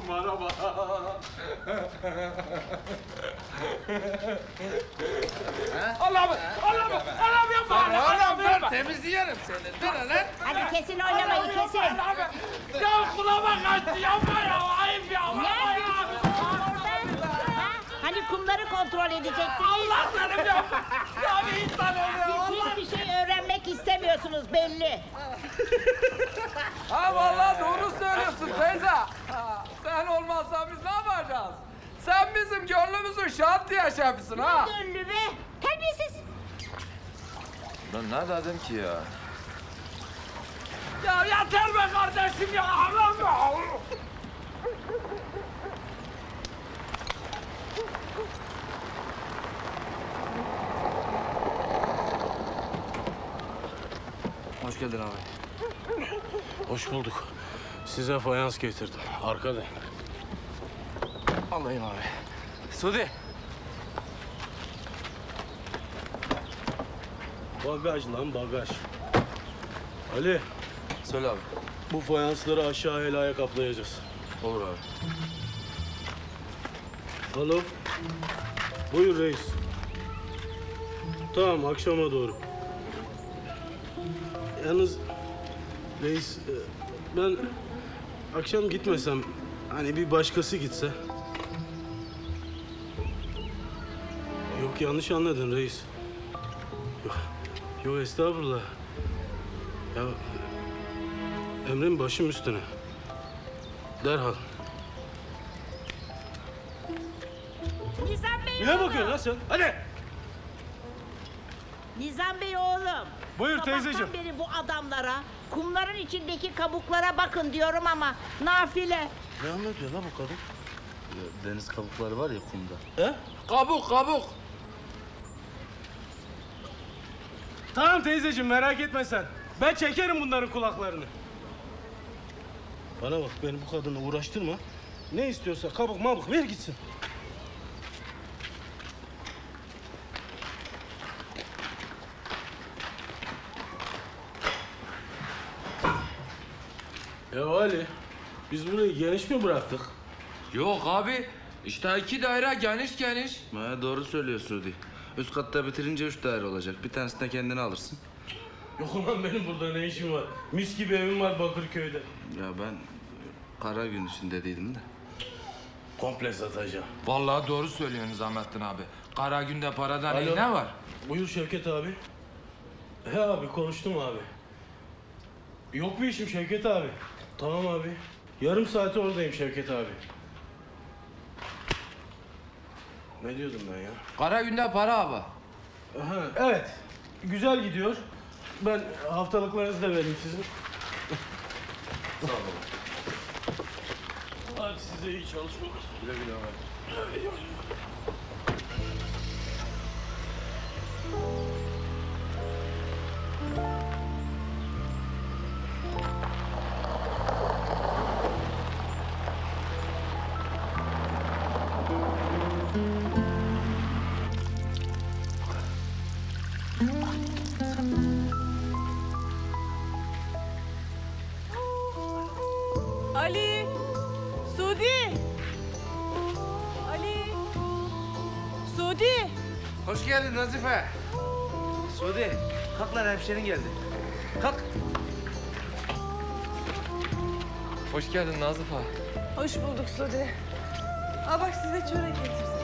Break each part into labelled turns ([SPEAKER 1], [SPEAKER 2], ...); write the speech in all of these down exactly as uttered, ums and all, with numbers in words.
[SPEAKER 1] araba. Allah'ım, Allah'ım, Allah'ım yapma, Allah'ım yapma.
[SPEAKER 2] Temizleyelim seni. Dur lan.
[SPEAKER 3] Hadi kesin oynamayı kesin.
[SPEAKER 1] Ya kulağıma kaçtı, yapma ya, ayıp ya.
[SPEAKER 3] Ne yapıyorsunuz orada? Ha? Hani kumları kontrol edecektiniz.
[SPEAKER 1] Allah seni yapma. Ya bir insan oluyor.
[SPEAKER 3] Siz hiçbir şey öğrenmek istemiyorsunuz belli.
[SPEAKER 2] Ha vallahi doğru söylüyorsun teyze. Ha, sen olmazsan biz ne yapacağız? Sen bizim gönlümüzün şantiye şefisin ha.
[SPEAKER 3] Gönlü be. Terbiyesiz.
[SPEAKER 4] Ben ne dedim ki ya?
[SPEAKER 1] Ya yeter be kardeşim ya. Allah'ım ya.
[SPEAKER 4] Hoş geldin abi.
[SPEAKER 5] Hoş bulduk. Size fayans getirdim. Arkada.
[SPEAKER 4] Alayım abi. Sudi.
[SPEAKER 5] Bagaj lan bagaj. Ali,
[SPEAKER 4] Söyle abi.
[SPEAKER 5] bu fayansları aşağı helaya kaplayacağız.
[SPEAKER 4] Olur abi.
[SPEAKER 5] Alo. Buyur reis. Tamam, akşama doğru. Yalnız reis, e, ben akşam gitmesem, hani bir başkası gitse. Yok, yanlış anladın reis. Yok, yok estağfurullah. Ya emrin başım üstüne. Derhal.
[SPEAKER 3] Nizam Bey
[SPEAKER 5] Ne
[SPEAKER 3] oğlum.
[SPEAKER 5] bakıyorsun lan sen? Hadi.
[SPEAKER 3] Nizam Bey oğlum.
[SPEAKER 5] Buyur
[SPEAKER 3] Sabahtan
[SPEAKER 5] teyzeciğim.
[SPEAKER 3] beri bu adamlara kumların içindeki kabuklara bakın diyorum ama nafile.
[SPEAKER 5] Ne anlatıyor lan bu kadın?
[SPEAKER 4] Deniz kabukları var ya kumda.
[SPEAKER 5] He?
[SPEAKER 2] Kabuk kabuk.
[SPEAKER 5] Tamam teyzeciğim, merak etme sen. Ben çekerim bunların kulaklarını. Bana bak, beni bu kadınla uğraştırma. Ne istiyorsa kabuk mabuk ver gitsin. Ya Ali, biz burayı geniş mi bıraktık?
[SPEAKER 2] Yok abi. İşte iki daire geniş geniş.
[SPEAKER 4] Ha, doğru söylüyor Sudi. Üst katta bitirince üç daire olacak. Bir tanesini de kendine alırsın.
[SPEAKER 5] Yok ulan, benim burada ne işim var? Mis gibi evim var Bakırköy'de.
[SPEAKER 4] Ya ben kara gün için dediydim de.
[SPEAKER 5] Komple satacağım.
[SPEAKER 2] Vallahi doğru söylüyorsun Nizamettin abi. Kara günde paradan
[SPEAKER 5] Alo.
[SPEAKER 2] iyi ne var?
[SPEAKER 5] Buyur Şevket abi. He abi, konuştum abi. Yok bir işim Şevket abi. Tamam abi. Yarım saate oradayım Şevket abi. Ne diyordum ben ya?
[SPEAKER 2] Kara günde para abi.
[SPEAKER 5] Aha, evet. Güzel gidiyor. Ben haftalıklarınızı da vereyim sizin. Sağ olun. Hadi size iyi çalışmalar.
[SPEAKER 4] Güle güle abi.
[SPEAKER 6] Ali! Sudi! Ali! Sudi!
[SPEAKER 2] Hoş geldin Nazife.
[SPEAKER 4] Sudi, kalk lan, hemşerin geldi. Kalk.
[SPEAKER 2] Hoş geldin Nazife.
[SPEAKER 6] Hoş bulduk Sudi. Aa bak size çörek getirdim.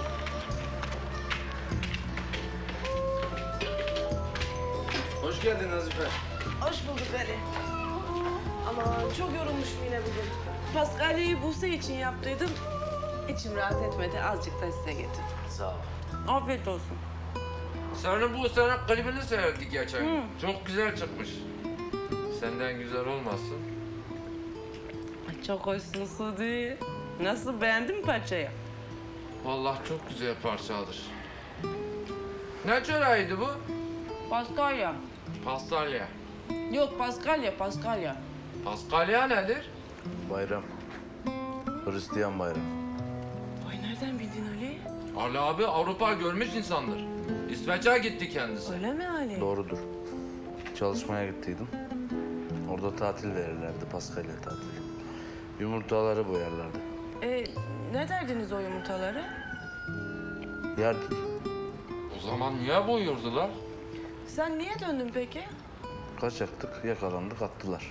[SPEAKER 4] Hoş geldin Nazife.
[SPEAKER 6] Hoş bulduk Ali. Aman çok yorulmuşum yine bugün. Paskalya'yı Buse için yaptıydım. İçim rahat etmedi. Azıcık da size getirdim.
[SPEAKER 4] Sağ ol.
[SPEAKER 6] Afiyet olsun.
[SPEAKER 2] Senin bu sene klibini seyrettik geçen gün. Çok güzel çıkmış. Senden güzel olmasın.
[SPEAKER 6] Ay, çok hoşsun Sudi. Nasıl, beğendin mi parçayı?
[SPEAKER 2] Vallahi çok güzel parçadır. Ne çöreğiydi bu?
[SPEAKER 6] Paskalya.
[SPEAKER 2] Pastalya.
[SPEAKER 6] Yok Paskalya, Paskalya.
[SPEAKER 2] Paskalya nedir?
[SPEAKER 4] Bayram. Hristiyan bayramı.
[SPEAKER 6] Ay nereden bildin Ali?
[SPEAKER 2] Ali abi Avrupa görmüş insandır. İsveç'e gitti kendisi.
[SPEAKER 6] Öyle mi Ali?
[SPEAKER 4] Doğrudur. Çalışmaya gittiydim. Orada tatil verirlerdi, Paskalya tatili. Yumurtaları boyarlardı.
[SPEAKER 6] E, ne derdiniz o yumurtaları?
[SPEAKER 4] Yerdik.
[SPEAKER 1] O zaman niye boyurdular?
[SPEAKER 6] Sen niye döndün peki?
[SPEAKER 4] Kaçaktık, yakalandık, attılar.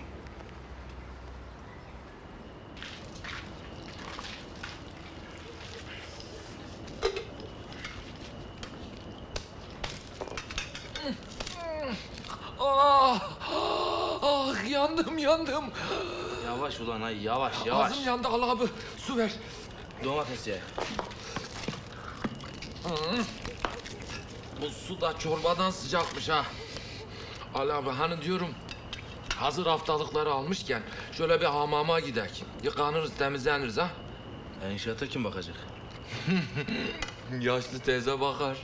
[SPEAKER 1] Ah, ah yandım yandım.
[SPEAKER 4] Yavaş ulan ay, yavaş yavaş.
[SPEAKER 1] Ağzım yandı Allah abi. Su ver.
[SPEAKER 4] Domates ye.
[SPEAKER 1] Bu su da çorbadan sıcakmış ha. Ali abi hani diyorum hazır haftalıkları almışken şöyle bir hamama gidek. Yıkanırız temizleniriz ha.
[SPEAKER 4] Ya inşaata kim bakacak?
[SPEAKER 1] Yaşlı teyze bakar.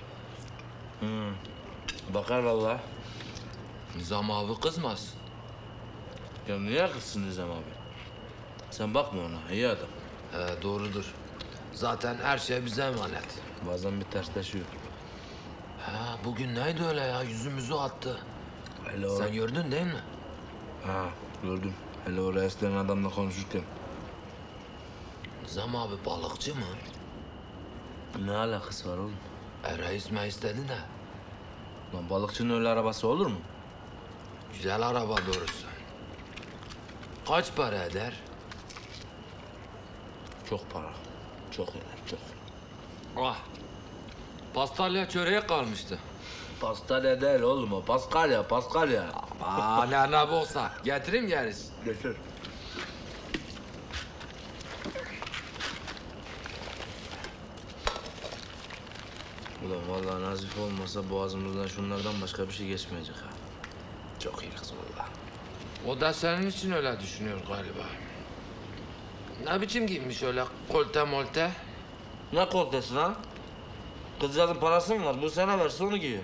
[SPEAKER 4] Bakar vallahi.
[SPEAKER 1] Nizam abi kızmaz.
[SPEAKER 4] Ya niye kızsın Nizam abi? Sen bakma ona, iyi adam.
[SPEAKER 1] He doğrudur. Zaten her şey bize emanet.
[SPEAKER 4] Bazen bir tersleşiyor.
[SPEAKER 1] Ha bugün neydi öyle ya yüzümüzü attı.
[SPEAKER 4] Hele o...
[SPEAKER 1] Sen gördün değil mi?
[SPEAKER 4] Ha, gördüm. Hele o reis denen adamla konuşurken.
[SPEAKER 1] Nizam abi balıkçı mı?
[SPEAKER 4] Ne alakası var oğlum?
[SPEAKER 1] E reis me istedi de.
[SPEAKER 4] Lan balıkçının öyle arabası olur mu?
[SPEAKER 1] Güzel araba doğrusu. Kaç para eder?
[SPEAKER 4] Çok para. Çok eder, çok.
[SPEAKER 1] Ah. Pastalya çöreğe kalmıştı.
[SPEAKER 4] Pastalya değil oğlum o. Paskalya, Paskalya.
[SPEAKER 1] Aa ne ne olsa. Getireyim gerisi.
[SPEAKER 4] Götür. Ulan vallahi Nazif olmasa boğazımızdan şunlardan başka bir şey geçmeyecek ha. Çok iyi kız vallahi.
[SPEAKER 1] O da senin için öyle düşünüyor galiba. Ne biçim giymiş öyle kolte molte?
[SPEAKER 4] Ne koltesi lan? Kızcağızın parası mı var? Bu sene verse onu giyiyor.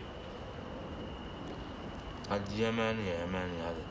[SPEAKER 4] Hadi yemeğini ye, yemeğini ye hadi.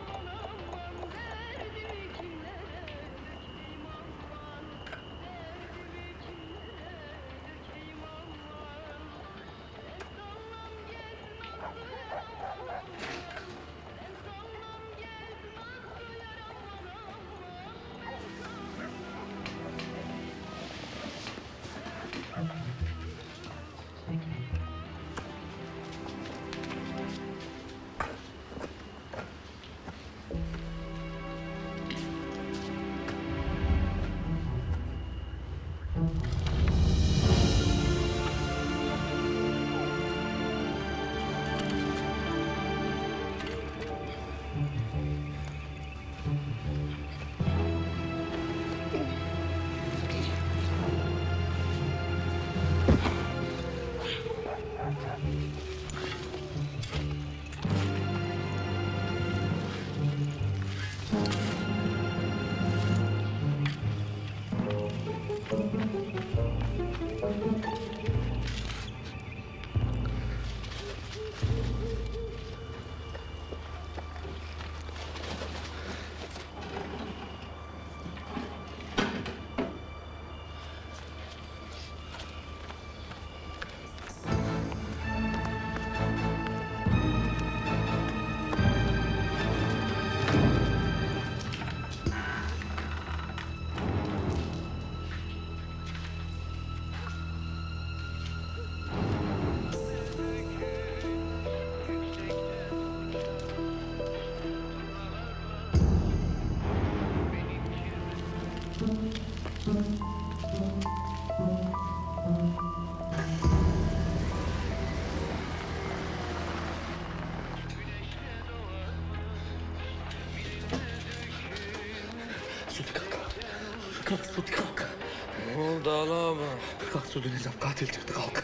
[SPEAKER 7] Kalk Suudi kalk.
[SPEAKER 1] Ne oldu Ali abi?
[SPEAKER 7] Kalk Suudi Nizam katil çıktı kalk.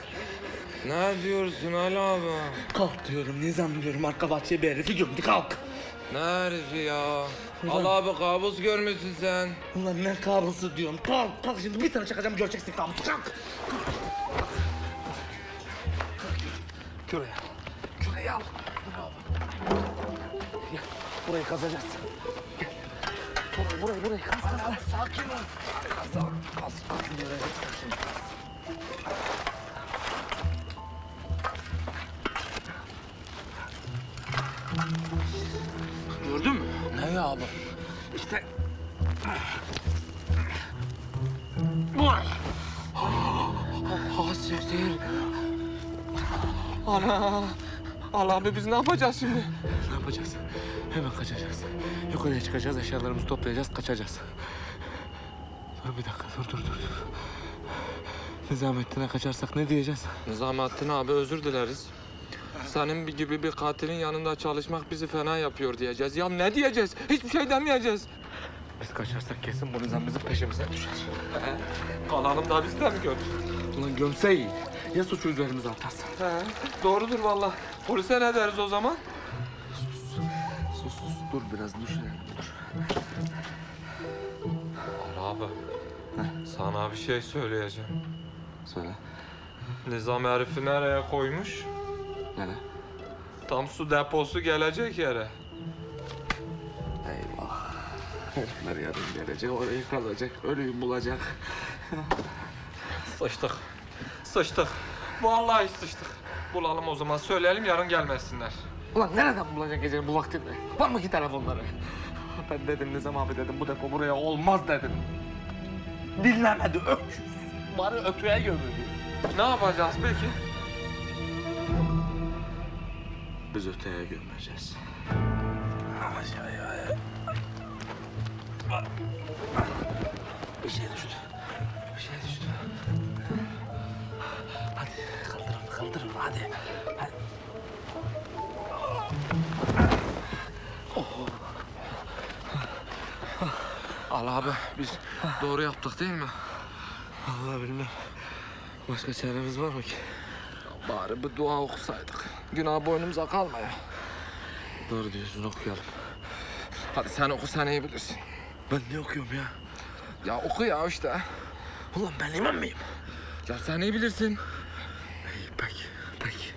[SPEAKER 1] Ne diyorsun Ali abi?
[SPEAKER 7] Kalk diyorum Nizam diyorum arka bahçeye bir herifi gömdü kalk.
[SPEAKER 1] Ne herifi ya? Ali abi kabus görmüşsün sen.
[SPEAKER 7] Ulan ne kabusu diyorum kalk kalk şimdi bir tane çakacağım göreceksin kabusu kalk. Şuraya. Şuraya al. Gel. Burayı kazacağız. Gel. Burayı burayı burayı kaz kaz kaz. Sakin ol. Kaz kaz kaz. Sakin ol.
[SPEAKER 1] Gördün mü?
[SPEAKER 7] Ne ya abi? İşte.
[SPEAKER 2] Zehir. Ana. Allah abi biz ne yapacağız şimdi?
[SPEAKER 7] Ne yapacağız? Hemen kaçacağız. Yukarıya çıkacağız, eşyalarımızı toplayacağız, kaçacağız. Dur bir dakika, dur dur dur. dur. Nizamettin'e kaçarsak ne diyeceğiz?
[SPEAKER 2] Nizamettin abi özür dileriz. Senin bir gibi bir katilin yanında çalışmak bizi fena yapıyor diyeceğiz. Ya ne diyeceğiz? Hiçbir şey demeyeceğiz.
[SPEAKER 7] Biz kaçarsak kesin bu nizam bizim peşimize düşer.
[SPEAKER 2] He, kalalım da biz de mi gördük?
[SPEAKER 7] Ulan gömse iyi. Ya suçu üzerimize atarsa?
[SPEAKER 2] He, doğrudur vallahi. Polise ne deriz o zaman?
[SPEAKER 7] Sus sus, dur biraz düşünelim, dur.
[SPEAKER 2] Allah abi. Sana bir şey söyleyeceğim.
[SPEAKER 7] Söyle.
[SPEAKER 2] Nizam herifi nereye koymuş?
[SPEAKER 7] Nere?
[SPEAKER 2] Tam su deposu gelecek yere.
[SPEAKER 7] Eyvah. Herifler yarın gelecek, orayı kazacak, ölüyü bulacak.
[SPEAKER 2] Sıçtık. Sıçtık. Vallahi sıçtık. Bulalım o zaman. Söyleyelim yarın gelmesinler.
[SPEAKER 7] Ulan nereden bulacak gecenin bu vaktinde? Var mı ki telefonları? Ben dedim Nizam abi dedim, bu depo buraya olmaz dedim. Dinlemedi, öküz. Bari ötüye gömüldü.
[SPEAKER 2] Ne yapacağız peki?
[SPEAKER 7] Biz öteye gömeceğiz. Bir şey düştü. Bir şey düştü. Hadi kaldırın, kaldırın hadi. hadi.
[SPEAKER 2] Allah abi biz doğru yaptık değil mi?
[SPEAKER 7] Vallahi bilmem. Başka çaremiz var mı ki?
[SPEAKER 2] Bari bir dua okusaydık. Günah boynumuza kalmaya.
[SPEAKER 7] Doğru diyorsun, okuyalım.
[SPEAKER 2] Hadi sen oku, sen iyi bilirsin.
[SPEAKER 7] Ben ne okuyorum ya?
[SPEAKER 2] Ya oku ya işte.
[SPEAKER 7] Ulan ben imam mıyım?
[SPEAKER 2] Ya sen iyi bilirsin.
[SPEAKER 7] İyi, peki, peki.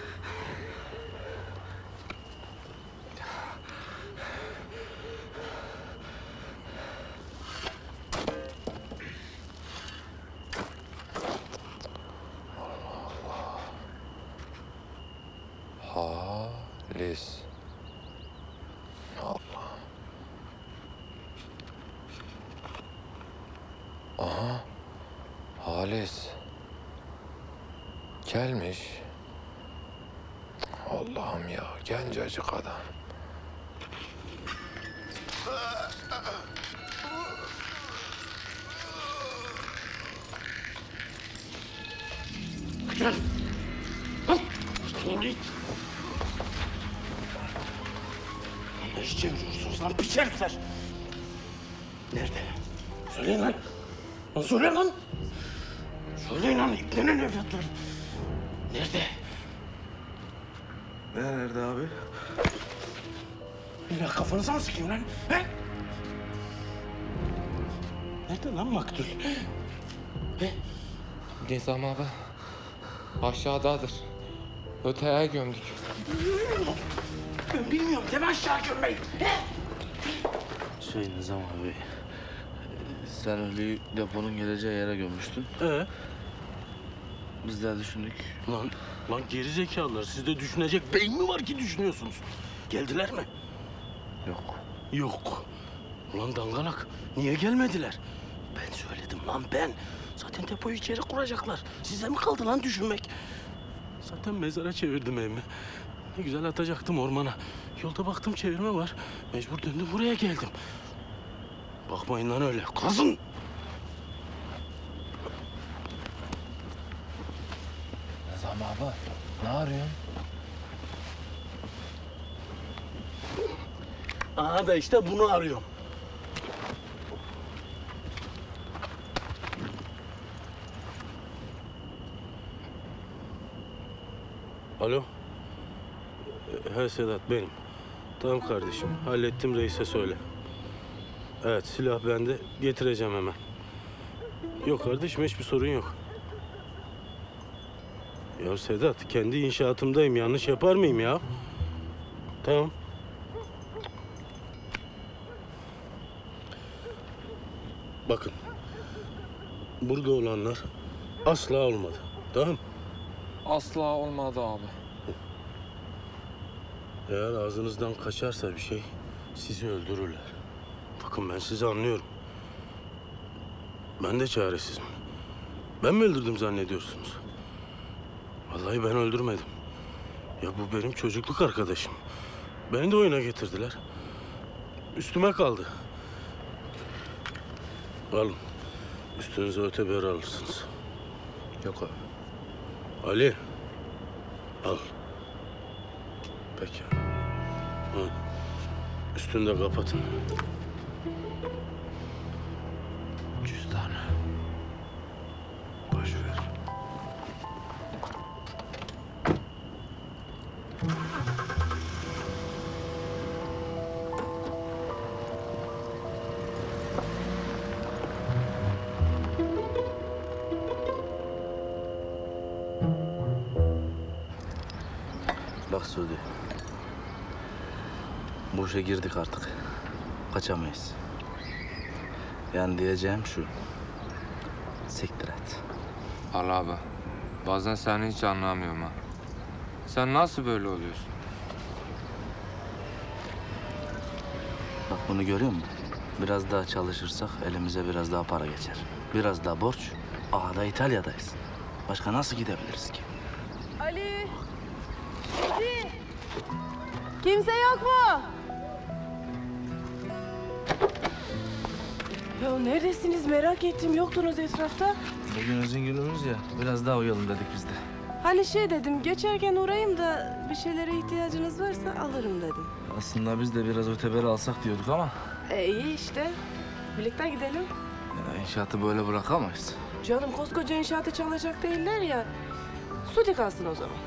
[SPEAKER 2] Halis. Allah. Aha. Halis. Gelmiş. Allah'ım ya, gencecik adam.
[SPEAKER 7] Ne iş çeviriyorsunuz lan piç herifler? Nerede? Söyleyin lan. Lan söyleyin lan. Söyleyin lan iplerin evlatları. Nerede? Ne nerede abi? Ya kafanıza mı sıkayım lan? He? Nerede lan maktul? He?
[SPEAKER 2] Nizam abi. Aşağıdadır. Öteye gömdük.
[SPEAKER 7] Ben bilmiyorum deme aşağı gömmeyi. Şey Nizam abi, sen ölüyü deponun geleceği yere gömmüştün.
[SPEAKER 5] Ee?
[SPEAKER 7] Biz de düşündük.
[SPEAKER 5] Lan, lan geri zekalılar. Sizde düşünecek beyin mi var ki düşünüyorsunuz? Geldiler mi?
[SPEAKER 7] Yok.
[SPEAKER 5] Yok. Ulan dangalak, niye gelmediler? Ben söyledim lan ben. Zaten depoyu içeri kuracaklar. Size mi kaldı lan düşünmek? Zaten mezara çevirdim evimi. Ne güzel atacaktım ormana. Yolda baktım çevirme var. Mecbur döndüm buraya geldim. Bakmayın lan öyle. Kazın!
[SPEAKER 2] Nizam abi, ne arıyorsun?
[SPEAKER 5] Aha da işte bunu arıyorum. Alo. He Sedat benim. Tamam kardeşim. Hallettim reise söyle. Evet silah bende. Getireceğim hemen. Yok kardeşim hiçbir sorun yok. Ya Sedat kendi inşaatımdayım. Yanlış yapar mıyım ya? Tamam. Bakın. Burada olanlar asla olmadı. Tamam.
[SPEAKER 2] Asla olmadı abi.
[SPEAKER 5] Eğer ağzınızdan kaçarsa bir şey sizi öldürürler. Bakın ben sizi anlıyorum. Ben de çaresizim. Ben mi öldürdüm zannediyorsunuz? Vallahi ben öldürmedim. Ya bu benim çocukluk arkadaşım. Beni de oyuna getirdiler. Üstüme kaldı. Alın. Üstünüze öteber alırsınız.
[SPEAKER 4] Yok abi.
[SPEAKER 5] Ali. Al.
[SPEAKER 4] Peki.
[SPEAKER 5] Al. Üstünü de kapatın.
[SPEAKER 4] Cüzdanı. Boş ver. Bak Suudi. Bu işe girdik artık. Kaçamayız. Yani diyeceğim şu. Siktir et.
[SPEAKER 2] Allah abi. Bazen seni hiç anlamıyorum ha. Sen nasıl böyle oluyorsun?
[SPEAKER 4] Bak bunu görüyor musun? Biraz daha çalışırsak elimize biraz daha para geçer. Biraz daha borç. Aha da İtalya'dayız. Başka nasıl gidebiliriz ki?
[SPEAKER 6] Ali! Ali! Kimse yok mu? Ya neredesiniz merak ettim. Yoktunuz etrafta.
[SPEAKER 4] Bugün özün günümüz ya. Biraz daha uyalım dedik biz de.
[SPEAKER 6] Hani şey dedim, geçerken uğrayayım da bir şeylere ihtiyacınız varsa alırım dedim.
[SPEAKER 4] Aslında biz de biraz öteberi alsak diyorduk ama
[SPEAKER 6] E iyi işte. Birlikte gidelim.
[SPEAKER 4] ya inşaatı böyle bırakamayız.
[SPEAKER 6] Canım koskoca inşaatı çalacak değiller ya. Suudi kalsın o zaman.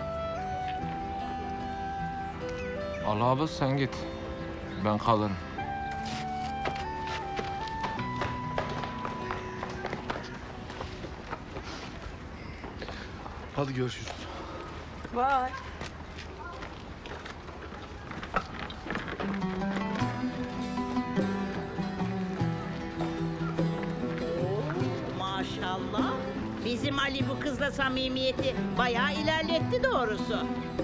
[SPEAKER 2] Allah abi sen git. Ben kalırım.
[SPEAKER 4] Hadi görüşürüz.
[SPEAKER 6] Vay.
[SPEAKER 3] Maşallah. Bizim Ali bu kızla samimiyeti bayağı ilerletti doğrusu.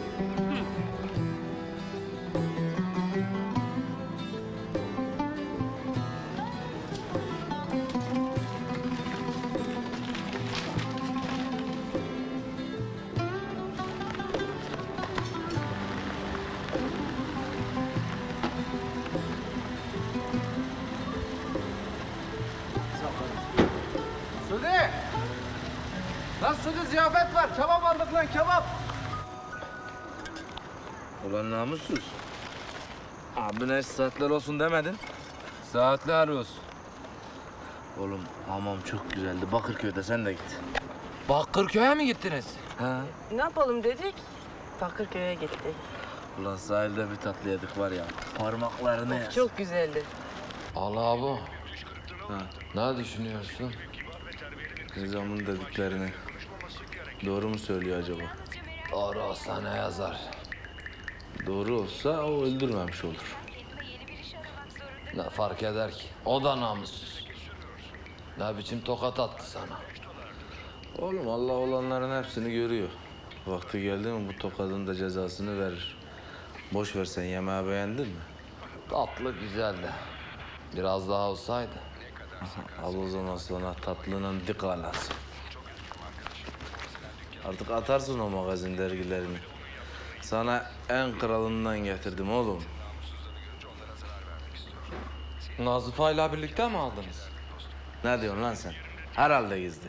[SPEAKER 7] Suudi! Lan Suudi ziyafet var. Kebap aldık lan kebap.
[SPEAKER 4] Ulan namussuz. Abine hiç saatler olsun demedin.
[SPEAKER 2] Saatler olsun.
[SPEAKER 4] Oğlum hamam çok güzeldi. Bakırköy'de sen de git.
[SPEAKER 2] Bakırköy'e mi gittiniz?
[SPEAKER 4] Ha?
[SPEAKER 6] Ne yapalım dedik? Bakırköy'e gittik.
[SPEAKER 4] Ulan sahilde bir tatlı yedik var ya. Parmaklarını yersin.
[SPEAKER 6] Çok güzeldi.
[SPEAKER 1] Allah abi.
[SPEAKER 4] Ha.
[SPEAKER 1] Ne düşünüyorsun?
[SPEAKER 4] Nizam'ın dediklerini. Doğru mu söylüyor acaba?
[SPEAKER 1] Doğru olsa ne yazar?
[SPEAKER 4] Doğru olsa o öldürmemiş olur.
[SPEAKER 1] Ne fark eder ki? O da namussuz. Ne biçim tokat attı sana?
[SPEAKER 4] Oğlum Allah olanların hepsini görüyor. Vakti geldi mi bu tokadın da cezasını verir. Boş ver sen, yemeği beğendin mi?
[SPEAKER 1] Tatlı güzeldi. Biraz daha olsaydı.
[SPEAKER 4] Al o zaman sonra tatlının dik alası. Artık atarsın o magazin dergilerini. Sana en kralından getirdim oğlum.
[SPEAKER 2] Nazifa'yla birlikte mi aldınız?
[SPEAKER 4] Ne diyorsun lan sen? Herhalde gizli.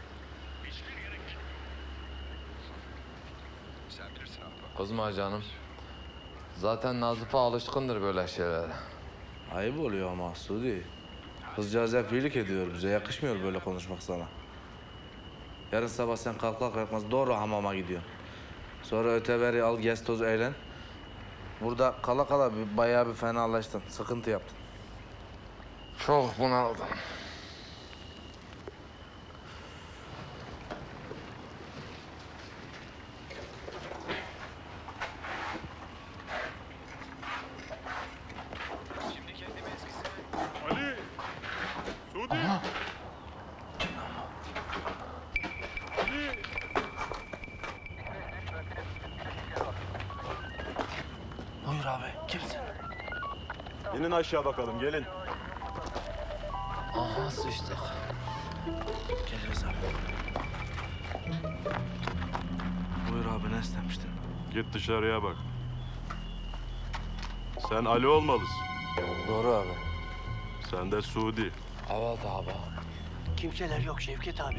[SPEAKER 1] Kızma canım. Zaten Nazife alışkındır böyle şeylere.
[SPEAKER 4] Ayıp oluyor ama Suudi. Kızcağız hep iyilik ediyor bize. Yakışmıyor böyle konuşmak sana. Yarın sabah sen kalkar kalkmaz doğru hamama gidiyorsun. Sonra öteberi al, gez toz eğlen. Burada kala kala bir, bayağı bir fenalaştın. Sıkıntı yaptın.
[SPEAKER 1] Çok bunaldım.
[SPEAKER 8] Ali! Suudi! Ali!
[SPEAKER 4] Buyur abi, kimsin?
[SPEAKER 8] İnin aşağı bakalım, gelin.
[SPEAKER 4] Aha sıçtık. Geliyoruz abi. Buyur abi, ne istemiştin?
[SPEAKER 8] Git dışarıya bak. Sen Ali olmalısın.
[SPEAKER 4] Doğru abi.
[SPEAKER 8] Sen de Suudi.
[SPEAKER 1] Evet abi.
[SPEAKER 5] Kimseler yok Şevket abi.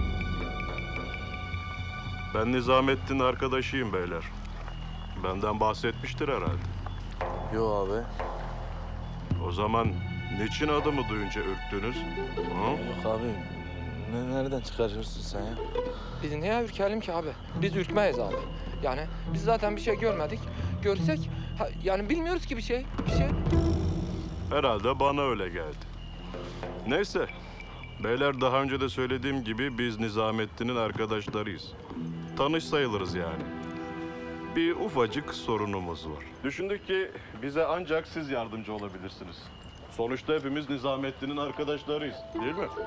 [SPEAKER 8] Ben Nizamettin arkadaşıyım beyler. Benden bahsetmiştir herhalde.
[SPEAKER 4] Yo abi.
[SPEAKER 8] O zaman niçin adımı duyunca ürktünüz? Hı?
[SPEAKER 4] Yok abi. Ne, nereden çıkarıyorsun sen ya?
[SPEAKER 2] Biz niye ürkelim ki abi? Biz ürkmeyiz abi. Yani biz zaten bir şey görmedik. Görsek ha, yani bilmiyoruz ki bir şey. Bir şey.
[SPEAKER 8] Herhalde bana öyle geldi. Neyse. Beyler, daha önce de söylediğim gibi biz Nizamettin'in arkadaşlarıyız. Tanış sayılırız yani. Bir ufacık sorunumuz var. Düşündük ki bize ancak siz yardımcı olabilirsiniz. Sonuçta hepimiz Nizamettin'in arkadaşlarıyız, değil mi?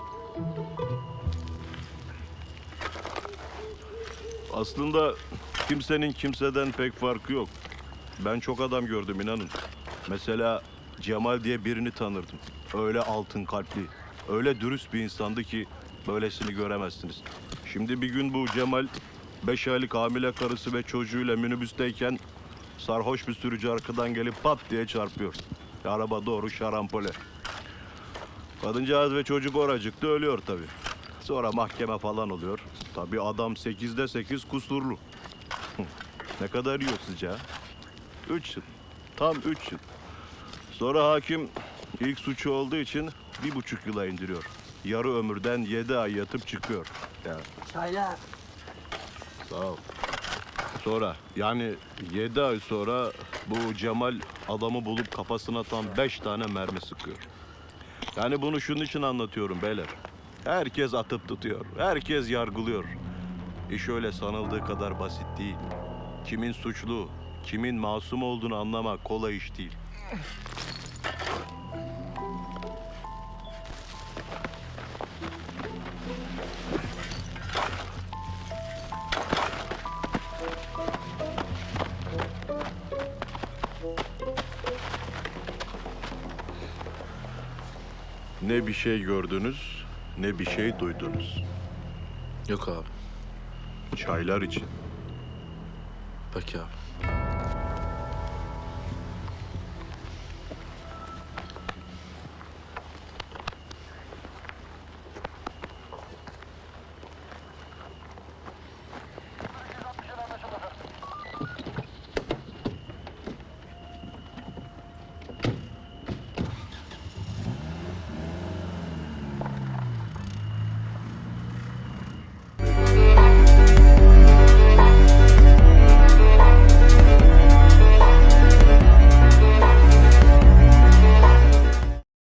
[SPEAKER 8] Aslında kimsenin kimseden pek farkı yok. Ben çok adam gördüm, inanın. Mesela Cemal diye birini tanırdım. Öyle altın kalpli, öyle dürüst bir insandı ki böylesini göremezsiniz. Şimdi bir gün bu Cemal beş aylık hamile karısı ve çocuğuyla minibüsteyken sarhoş bir sürücü arkadan gelip pat diye çarpıyor. Araba doğru şarampole. Kadıncağız ve çocuk oracıkta ölüyor tabii. Sonra mahkeme falan oluyor. Tabii adam sekizde sekiz kusurlu. Ne kadar yiyor sizce ha? Üç yıl. Tam üç yıl. Sonra hakim ilk suçu olduğu için bir buçuk yıla indiriyor. Yarı ömürden yedi ay yatıp çıkıyor. Yani.
[SPEAKER 5] Çaylar.
[SPEAKER 8] Sağ ol. Sonra yani yedi ay sonra bu Cemal adamı bulup kafasına tam beş tane mermi sıkıyor. Yani bunu şunun için anlatıyorum beyler. Herkes atıp tutuyor. Herkes yargılıyor. İş öyle sanıldığı kadar basit değil. Kimin suçlu, kimin masum olduğunu anlamak kolay iş değil. Ne bir şey gördünüz, ne bir şey duydunuz.
[SPEAKER 4] Yok abi.
[SPEAKER 8] Çaylar için.
[SPEAKER 4] Peki abi.